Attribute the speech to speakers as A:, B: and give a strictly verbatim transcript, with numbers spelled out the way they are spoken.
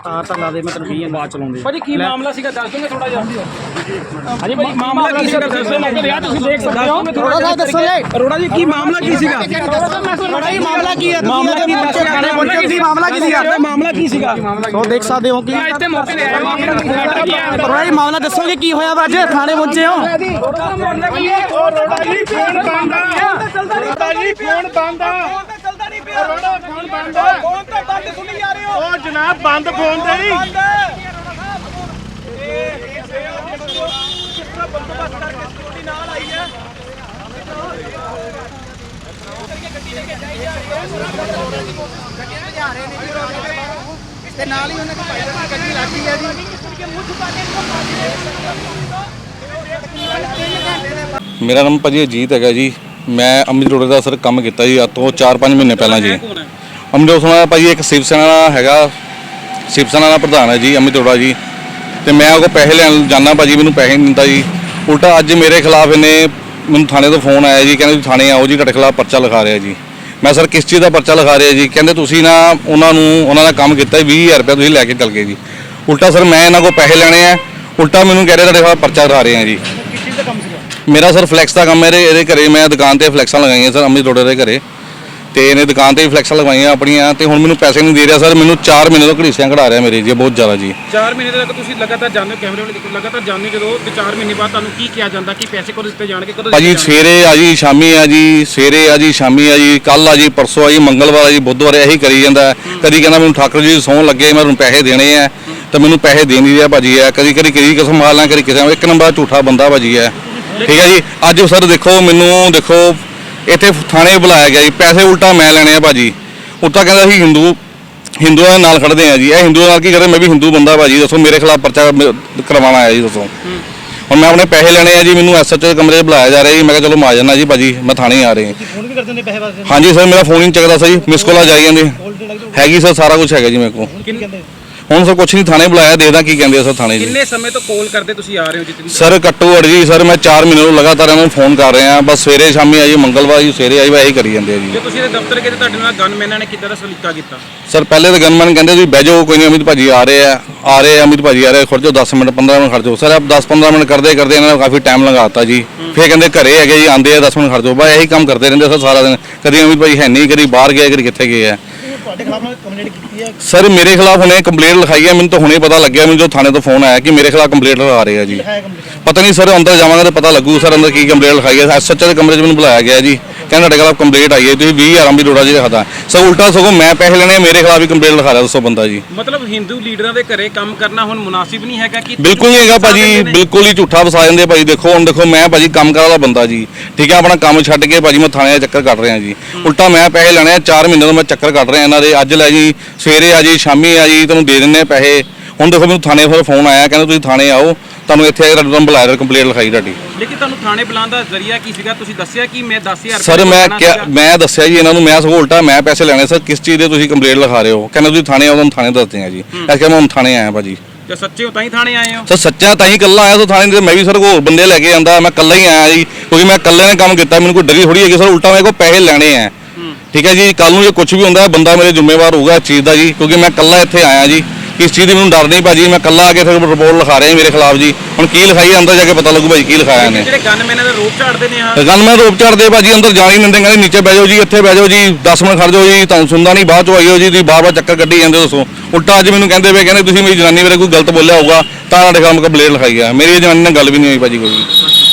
A: ਤਾਰ ਤਾਂ ਲਾ ਦੇ, ਮੈਂ ਤੈਨੂੰ ਕਹੀ ਬਾਅਦ ਚਲਾਉਂਦੇ
B: ਭਾਜੀ ਕੀ ਮਾਮਲਾ ਸੀਗਾ ਦੱਸ ਦੋਗੇ ਥੋੜਾ ਜਿਹਾ।
A: ਹਾਂਜੀ ਭਾਜੀ ਮਾਮਲਾ ਕੀ ਸੀਗਾ ਦੱਸੋ, ਲੱਗ ਰਿਹਾ ਤੁਸੀਂ ਦੇਖ ਸਕਦੇ ਹੋ।
B: ਥੋੜਾ ਜਿਹਾ ਦੱਸੋਗੇ ਅਰੋੜਾ ਜੀ ਕੀ ਮਾਮਲਾ ਕੀ ਸੀਗਾ?
A: ਥੋੜਾ ਹੀ ਮਾਮਲਾ ਕੀ ਹੈ,
B: ਮਾਮਲਾ ਕੀ ਦੱਸਿਆ ਖਾਣੇ ਪਹੁੰਚੇ ਤੁਸੀਂ?
A: ਮਾਮਲਾ ਕੀ ਸੀਗਾ?
B: ਮਾਮਲਾ ਕੀ ਸੀਗਾ?
A: ਸੋ ਦੇਖ ਸਕਦੇ ਹੋ ਕਿ
B: ਇੱਥੇ ਮੌਕੇ ਤੇ ਆਇਆ
A: ਥੋੜਾ ਹੀ ਮਾਮਲਾ ਦੱਸੋਗੇ ਕੀ ਹੋਇਆ ਵਾ? ਅੱਜ ਥਾਣੇ ਪਹੁੰਚੇ ਹੋ।
B: ਮਾਮਲਾ ਕੀ ਹੈ?
C: ਰੋੜਾ ਜੀ ਫੋਨ ਬੰਦ ਆ, ਰੋੜਾ ਜੀ ਫੋਨ ਬੰਦ ਆ,
B: ਚੱਲਦਾ ਨਹੀਂ ਪਿਆ
C: ਰੋੜਾ ਫੋਨ ਬੰਦ ਆ।
B: ਫੋਨ ਤਾਂ ਬੰਦ ਸੁਣੀ ਜਾ ਰਹੇ ਹੋ।
C: ਉਹ ਜਨਾਬ ਬੰਦ ਫੋਨ ਤੇ ਹੀ
B: ਬੰਦੋਬਸਤ ਕਰਕੇ ਸਿਕਿਉਰਿਟੀ ਨਾਲ ਆਈ ਹੈ।
A: ਤੇ ਨਾਲ ਹੀ ਉਹਨਾਂ ਦੀ ਗੱਡੀ ਲੱਗੀ ਹੈ ਜੀ।
D: ਮੇਰਾ ਨਾਮ ਭਾਜੀ ਅਜੀਤ ਹੈਗਾ ਜੀ। ਮੈਂ ਅਮਿਤ ਰੋੜੇ ਦਾ ਸਰ ਕੰਮ ਕੀਤਾ ਜੀ ਅੱਜ ਤੋਂ ਚਾਰ ਪੰਜ ਮਹੀਨੇ ਪਹਿਲਾਂ ਜੀ। ਅਮਿਤ ਰੋੜਾ ਭਾਜੀ ਇੱਕ ਸ਼ਿਵ ਸੈਨਾ ਦਾ ਹੈਗਾ, ਸ਼ਿਵ ਸੈਨਾ ਦਾ ਪ੍ਰਧਾਨ ਹੈ ਜੀ ਅਮਿਤ ਰੋੜਾ ਜੀ। ਤੇ ਮੈਂ ਉਹ ਪੈਸੇ ਲੈਣ ਜਾਂਦਾ ਭਾਜੀ, ਮੈਨੂੰ ਪੈਸੇ ਨਹੀਂ ਦਿੰਦਾ ਜੀ। ਉਲਟਾ ਅੱਜ ਮੇਰੇ ਖਿਲਾਫ ਇਹਨੇ ਮੈਨੂੰ ਥਾਣੇ ਤੋਂ ਫੋਨ ਆਇਆ ਜੀ, ਕਹਿੰਦੇ ਥਾਣੇ ਆਓ ਜੀ, ਤੁਹਾਡੇ ਖਿਲਾਫ ਪਰਚਾ ਲਿਖਾ ਰਿਹਾ ਜੀ। ਮੈਂ ਸਰ ਕਿਸ ਚੀਜ਼ ਦਾ ਪਰਚਾ ਲਿਖਾ ਰਿਹਾ ਜੀ? ਕਹਿੰਦੇ ਤੁਸੀਂ ਨਾ ਉਹਨਾਂ ਨੂੰ ਉਹਨਾਂ ਦਾ ਕੰਮ ਕੀਤਾ ਵੀਹ ਹਜ਼ਾਰ ਰੁਪਇਆ ਤੁਸੀਂ ਲੈ ਕੇ ਚੱਲ ਗਏ ਜੀ। ਉਲਟਾ ਸਰ ਮੈਂ ਇਹਨਾਂ ਕੋਲ ਪੈਸੇ ਲੈਣੇ ਆ, ਉਲਟਾ ਮੈਨੂੰ ਕਹਿ ਰਹੇ ਤੁਹਾਡੇ ਖਿਲਾਫ ਪਰਚਾ ਲਿਖਾ ਰਹੇ ਆ ਜੀ।
B: ਕਿਸ ਚੀਜ਼ ਦਾ ਕੰਮ ਸੀਗਾ?
D: ਮੇਰਾ ਸਰ ਫਲੈਕਸ ਦਾ ਕੰਮ ਹੈ। ਇਹਦੇ ਘਰੇ ਮੈਂ ਦੁਕਾਨ ਤੇ ਫਲੈਕਸਾਂ ਲਗਾਈਆਂ ਸਰ ਅਮਿਤ ਰੋੜੇ ਦੇ ਘਰੇ, ਤੇ ਇਹਨੇ ਦੁਕਾਨ ਤੇ ਵੀ ਫਲੈਕਸਾਂ ਲਗਵਾਈਆਂ ਆਪਣੀਆਂ, ਤੇ ਹੁਣ ਮੈਨੂੰ ਪੈਸੇ ਨਹੀਂ ਦੇ ਰਿਹਾ ਸਰ। ਮੈਨੂੰ ਚਾਰ ਮਹੀਨੇ ਤੋਂ ਘੜੀਸਿਆਂ ਕਢਾ ਰਿਹਾ ਮੇਰੇ ਜੀ, ਬਹੁਤ ਜ਼ਿਆਦਾ ਜੀ।
B: ਚਾਰ ਮਹੀਨੇ ਤੱਕ ਤੁਸੀਂ ਲਗਾਤਾਰ ਜਾਂਦੇ ਹੋ, ਕੈਮਰੇ ਵਾਲੇ ਦੇਖੋ ਲਗਾਤਾਰ ਜਾਂਦੇ ਜਦੋਂ, ਤੇ ਚਾਰ ਮਹੀਨੇ ਬਾਅਦ ਤੁਹਾਨੂੰ ਕੀ ਕਿਹਾ ਜਾਂਦਾ ਕਿ ਪੈਸੇ ਕਦੋਂ ਦਿੱਤੇ ਜਾਣਗੇ, ਕਦੋਂ
D: ਭਾਜੀ ਸਵੇਰੇ ਆ ਜੀ, ਸ਼ਾਮੀ ਆ ਜੀ, ਸਵੇਰੇ ਆ ਜੀ, ਸ਼ਾਮੀ ਆ ਜੀ, ਕੱਲ ਆ ਜੀ, ਪਰਸੋਂ ਆ ਜੀ, ਮੰਗਲਵਾਰ ਆ ਜੀ, ਬੁੱਧਵਾਰ ਇਹੀ ਕਰੀ ਜਾਂਦਾ। ਕਦੀ ਕਹਿੰਦਾ ਮੈਨੂੰ ਠਾਕਰ ਜੀ ਸੌਣ ਲੱਗੇ ਮੈਂ ਤੁਹਾਨੂੰ ਪੈਸੇ ਦੇਣੇ ਆ, ਤਾਂ ਮੈਨੂੰ ਪੈਸੇ ਦੇ ਨਹੀਂ ਰਿਹਾ ਭਾਜੀ ਹੈ। ਕਦੀ ਕਦੀ ਕਿਹਦੀ ਕਸਮ ਖਾ ਲਾਂ, ਕਦੀ ਕਿਸੇ ਇੱਕ ਨੰਬਰ ਝੂਠਾ ਬੰਦਾ ਭਾਜੀ ਹੈ। ਠੀਕ ਹੈ ਜੀ। ਅੱਜ ਸਰ ਦੇਖੋ ਮੈਨੂੰ ਦੇਖੋ ਇੱਥੇ ਥਾਣੇ ਬੁਲਾਇਆ ਗਿਆ ਜੀ, ਪੈਸੇ ਉਲਟਾ ਮੈਂ ਲੈਣੇ ਆ ਭਾਜੀ। ਉਲਟਾ ਕਹਿੰਦਾ ਅਸੀਂ ਹਿੰਦੂ ਹਿੰਦੂਆਂ ਦੇ ਨਾਲ ਖੜਦੇ ਆ ਜੀ। ਇਹ ਹਿੰਦੂਆਂ ਨਾਲ ਕੀ ਕਰਦੇ? ਮੈਂ ਵੀ ਹਿੰਦੂ ਬੰਦਾ ਭਾਜੀ, ਦੱਸੋ ਮੇਰੇ ਖਿਲਾਫ ਪਰਚਾ ਕਰਵਾਉਣਾ ਆਇਆ ਜੀ, ਦੱਸੋ। ਹੁਣ ਮੈਂ ਆਪਣੇ ਪੈਸੇ ਲੈਣੇ ਆ ਜੀ, ਮੈਨੂੰ ਐਸ ਐਚ ਓ ਦੇ ਕਮਰੇ 'ਚ ਬੁਲਾਇਆ ਜਾ ਰਿਹਾ ਜੀ। ਮੈਂ ਕਿਹਾ ਚਲੋ ਮਾ ਜਾਣਾ ਜੀ ਭਾਜੀ, ਮੈਂ ਥਾਣੇ ਆ ਰਹੇ।
A: ਫੋਨ ਵੀ ਕਰ ਦਿੰਦੇ ਪੈਸੇ ਵਾਸਤੇ?
D: ਹਾਂਜੀ ਸਰ ਮੇਰਾ ਫੋਨ ਹੀ ਨਹੀਂ ਚੱਕਦਾ ਸਰ ਜੀ, ਮਿਸ ਕਾਲਾਂ ਜਾਈ ਜਾਂਦੇ ਹੈਗੀ ਸਰ, ਸਾਰਾ ਕੁਝ ਹੈਗਾ ਜੀ ਮੇਰੇ ਕੋਲ।
A: ਕਹਿੰਦੇ
D: ਹੁਣ ਸਰ ਕੁਛ ਨਹੀਂ, ਥਾਣੇ ਬੁਲਾਇਆ, ਦੇਖਦਾ ਕੀ ਕਹਿੰਦੇ ਆ ਸਰ ਥਾਣੇ ਜੀ।
B: ਕਿੰਨੇ ਸਮੇਂ ਤੋਂ ਕਾਲ ਕਰਦੇ ਤੁਸੀਂ ਆ ਰਹੇ ਹੋ ਜਿੱਤਨੀ?
D: ਸਰ ਘੱਟੋ ਘੱਟ ਜੀ ਸਰ ਮੈਂ ਚਾਰ ਮਹੀਨੇ ਤੋਂ ਲਗਾਤਾਰ ਇਹਨਾਂ ਨੂੰ ਫੋਨ ਕਰ ਰਿਹਾ। ਬਸ ਸਵੇਰੇ ਸ਼ਾਮੀ ਆਈ, ਮੰਗਲਵਾਰ ਜੀ ਸਵੇਰੇ ਆਈ, ਇਹੀ ਕਰੀ ਜਾਂਦੇ ਆ ਜੀ।
B: ਜੇ ਤੁਸੀਂ ਇਹਦੇ ਦਫ਼ਤਰ ਗਏ ਤੇ ਤੁਹਾਡੇ ਨਾਲ ਗਨਮੈਨਾਂ ਨੇ ਕਿੱਦਾਂ ਦਾ ਸਲੀਕਾ ਕੀਤਾ?
D: ਸਰ ਪਹਿਲੇ ਤਾਂ ਗਨਮੈਨ ਕਹਿੰਦੇ ਤੁਸੀਂ ਬਹਿ ਜਾਓ, ਕੋਈ ਨਹੀਂ ਅਮਿਤ ਭਾਜੀ ਆ ਰਹੇ ਆ ਆ ਰਹੇ ਅਮਿਤ ਭਾਜੀ ਆ ਰਹੇ, ਖੜ ਜਾਓ ਦਸ ਮਿੰਟ ਪੰਦਰਾਂ ਮਿੰਟ ਖੜ ਜਾਓ। ਸਰ ਆਪ ਦਸ ਪੰਦਰਾਂ ਮਿੰਟ ਕਰਦੇ ਕਰਦੇ ਇਹਨਾਂ ਨੇ ਕਾਫੀ ਟਾਈਮ ਲਗਾਤਾ ਜੀ। ਫਿਰ ਕਹਿੰਦੇ ਘਰੇ ਹੈਗੇ ਜੀ, ਆਉਂਦੇ ਆ ਦਸ ਮਿੰਟ ਖੜ ਜਾਓ। ਬਸ ਇਹੀ ਕੰਮ ਕਰਦੇ ਰਹਿੰਦੇ ਸਰ ਸਾਰਾ ਦਿਨ। ਕਦੀ ਅਮਿਤ ਭਾਜੀ ਹੈ ਨਹੀਂ, ਕਦੀ ਬਾਹਰ ਗਏ, ਕਦੀ ਕਿੱਥੇ ਗਏ ਆ।
A: ਤੁਹਾਡੇ ਖਿਲਾਫ ਕੰਪਲੇਂਟ ਕੀਤੀ ਹੈ?
D: ਸਰ ਮੇਰੇ ਖਿਲਾਫ ਹੁਣੇ ਕੰਪਲੇਂਟ ਲਿਖਾਈ ਹੈ, ਮੈਨੂੰ ਤਾਂ ਹੁਣੇ ਪਤਾ ਲੱਗਿਆ। ਮੈਨੂੰ ਜੋ ਥਾਣੇ ਤੋਂ ਫੋਨ ਆਇਆ ਕਿ ਮੇਰੇ ਖਿਲਾਫ ਕੰਪਲੇਂਟ ਲਗਾ ਰਹੇ ਆ ਜੀ। ਪਤਾ ਨਹੀਂ ਸਰ, ਅੰਦਰ ਜਾਵਾਂਗਾ ਤਾਂ ਪਤਾ ਲੱਗੂ ਸਰ ਅੰਦਰ ਕੀ ਕੰਪਲੇਂਟ ਲਿਖਾਈ ਹੈ। ਐਸ ਐਚ ਓ ਦੇ ਕਮਰੇ 'ਚ ਮੈਨੂੰ ਬੁਲਾਇਆ ਗਿਆ ਜੀ, ਕਹਿੰਦਾ ਤੁਹਾਡੇ ਖਿਲਾਫ ਕੰਪਲੇਂਟ ਆਈ ਹੈ, ਤੁਸੀਂ ਵੀਹ ਹਜ਼ਾਰ ਅਮਿਤ ਰੋੜਾ ਜੀ ਲਿਖਾਤਾ। ਸਰ ਉਲਟਾ ਸਗੋਂ ਮੈਂ ਪੈਸੇ ਲੈਣੇ, ਮੇਰੇ ਖਿਲਾਫ ਹੀ ਕੰਪਲੇਂਟ ਲਿਖਾ ਰਿਹਾ ਦੱਸੋ ਬੰਦਾ ਜੀ।
B: ਮਤਲਬ ਹਿੰਦੂ ਲੀਡਰਾਂ ਦੇ ਘਰੇ ਕੰਮ ਕਰਨਾ ਹੁਣ ਮੁਨਾਸਿਬ ਨਹੀਂ ਹੈਗਾ ਕਿ?
D: ਬਿਲਕੁਲ ਨਹੀਂ ਹੈਗਾ ਭਾਜੀ, ਬਿਲਕੁਲ ਹੀ ਝੂਠਾ ਵਸਾ ਜਾਂਦੇ ਭਾਜੀ। ਦੇਖੋ ਹੁਣ ਦੇਖੋ ਮੈਂ ਭਾਜੀ ਕੰਮ ਕਰਨ ਵਾਲਾ ਬੰਦਾ ਜੀ, ਠੀਕ ਹੈ, ਆਪਣਾ ਕੰਮ ਛੱਡ ਕੇ ਭਾਜੀ ਮੈਂ ਥਾਣੇ ਦਾ ਚੱਕਰ ਕੱਟ ਰਿਹਾ ਜੀ। ਉਲਟਾ ਮੈਂ ਪੈਸੇ ਲੈਣੇ, ਚਾਰ ਮਹੀਨੇ ਤੋਂ ਮੈਂ ਚੱਕਰ ਕੱਟ ਰਿਹਾ ਇਹਨਾਂ ਦੇ। ਅੱਜ ਲੈ ਜੀ, ਸਵੇਰੇ ਆ ਜੀ, ਸ਼ਾਮੀ ਆ ਜੀ, ਤੁਹਾਨੂੰ ਦੇ ਦਿੰਦੇ ਪੈਸੇ। ਹੁਣ ਦੇਖੋ ਮੈਨੂੰ ਥਾਣੇ ਫਿਰ ਫੋਨ ਆਇਆ, ਕਹਿੰਦਾ ਤੁਸੀਂ ਥਾਣੇ ਆਓ, ਤੁਹਾਨੂੰ ਇੱਥੇ ਆ ਕੇ ਤੁਹਾਨੂੰ ਬੁਲਾਇਆ, ਕੰਪਲੇਂਟ ਲਿਖਾਈ ਤੁਹਾਡੀ।
B: ਲੇਕਿਨ ਤੁਹਾਨੂੰ ਥਾਣੇ ਬੁਲਾਉਣ ਦਾ ਜ਼ਰੀਆ ਕੀ ਸੀਗਾ? ਤੁਸੀਂ ਦੱਸਿਆ ਕਿ ਮੈਂ ਦਸ ਹਜ਼ਾਰ
D: ਸਰ ਮੈਂ ਕਿਹਾ, ਮੈਂ ਦੱਸਿਆ ਜੀ ਇਹਨਾਂ ਨੂੰ, ਮੈਂ ਸਗੋਂ ਉਲਟਾ ਮੈਂ ਪੈਸੇ ਲੈਣੇ। ਸਰ ਕਿਸ ਚੀਜ਼ ਦੇ ਤੁਸੀਂ ਕੰਪਲੇਂਟ ਲਿਖਾ ਰਹੇ ਹੋ? ਕਹਿੰਦਾ ਤੁਸੀਂ ਥਾਣੇ ਆਓ, ਤੁਹਾਨੂੰ ਥਾਣੇ ਦੱਸਦੇ ਆ ਜੀ। ਇਸ ਕਰਕੇ ਮੈਂ ਹੁਣ ਥਾਣੇ ਆਇਆ ਭਾਜੀ।
B: ਜੇ ਸੱਚੇ ਹੋ ਤਾਂ ਹੀ ਥਾਣੇ ਆਏ ਹੋ?
D: ਸਰ ਸੱਚਾ ਤਾਂ ਹੀ ਇਕੱਲਾ ਆਇਆ ਸਰ ਥਾਣੇ ਦੇ। ਮੈਂ ਵੀ ਸਰ ਹੋਰ ਬੰਦੇ ਲੈ ਕੇ ਆਂਦਾ, ਮੈਂ ਇਕੱਲਾ ਹੀ ਆਇਆ ਜੀ, ਕਿਉਂਕਿ ਮੈਂ ਇਕੱਲੇ ਨੇ ਕੰਮ ਕੀਤਾ, ਮੈਨੂੰ ਕੋਈ ਡਰੀ ਥੋੜੀ ਹੈਗੀ ਸਰ। ਉਲਟਾ ਮੇਰੇ ਕੋਲ ਪੈਸੇ ਲੈਣੇ ਆ, ਠੀਕ ਹੈ ਜੀ। ਕੱਲ ਨੂੰ ਜੇ ਕੁਝ ਵੀ ਹੁੰਦਾ ਬੰਦਾ ਮੇਰੇ ਜ਼ਿੰਮੇਵਾਰ ਹੋਊਗਾ ਇਸ ਚੀਜ਼ ਦਾ ਜੀ, ਕਿਉਂਕਿ ਮੈਂ ਇਕੱਲਾ ਇੱਥੇ ਆਇਆ ਜੀ। ਇਸ ਚੀਜ਼ ਦੀ ਮੈਨੂੰ ਡਰ ਨਹੀਂ ਭਾਜੀ, ਮੈਂ ਇਕੱਲਾ ਆ ਕੇ ਫਿਰ ਰਿਪੋਰਟ ਲਿਖਾ ਰਿਹਾ ਮੇਰੇ ਖਿਲਾਫ ਜੀ। ਹੁਣ ਕੀ ਲਿਖਾਈ ਅੰਦਰ ਜਾ ਕੇ ਪਤਾ ਲੱਗੂ ਭਾਜੀ ਕੀ ਲਿਖਾਇਆ ਨੇ।
B: ਜਿਹੜੇ ਗਨਮੈਨਾਂ ਦਾ ਰੋਪ ਝਾੜਦੇ ਨੇ ਆ,
D: ਗਨਮੈਨ ਰੋਪ ਝਾੜਦੇ ਭਾਜੀ, ਅੰਦਰ ਜਾਣ ਹੀ ਨਹੀਂ ਦਿੰਦੇ, ਕਹਿੰਦੇ ਨੀਚੇ ਬਹਿ ਜਾਓ ਜੀ, ਇੱਥੇ ਬਹਿ ਜਾਓ ਜੀ, ਦਸ ਮਿੰਟ ਖੜ ਜਾਓ ਜੀ, ਤੁਹਾਨੂੰ ਸੁਣਦਾ ਨਹੀਂ, ਬਾਅਦ ਚ ਆਈਓ ਜੀ, ਤੁਸੀਂ ਬਾਰ ਬਾਰ ਚੱਕਰ ਕੱਢੀ ਜਾਂਦੇ ਦੱਸੋ। ਉਲਟਾ ਅੱਜ ਮੈਨੂੰ ਕਹਿੰਦੇ ਵੇ, ਕਹਿੰਦੇ ਤੁਸੀਂ ਮੇਰੀ ਜਨਾਨੀ ਬਾਰੇ ਕੋਈ ਗਲਤ ਬੋਲਿਆ ਹੋਊਗਾ ਤਾਂ ਤੁਹਾਡੇ ਖਿਲਾਫ ਕੰਪਲੇਂਟ ਲਿਖਾਈ ਆ। ਮੇਰੀ ਜਨਾਨੀ ਨਾਲ ਗੱਲ ਵੀ ਨਹੀਂ ਹੋਈ ਭਾਜੀ ਕੋਈ।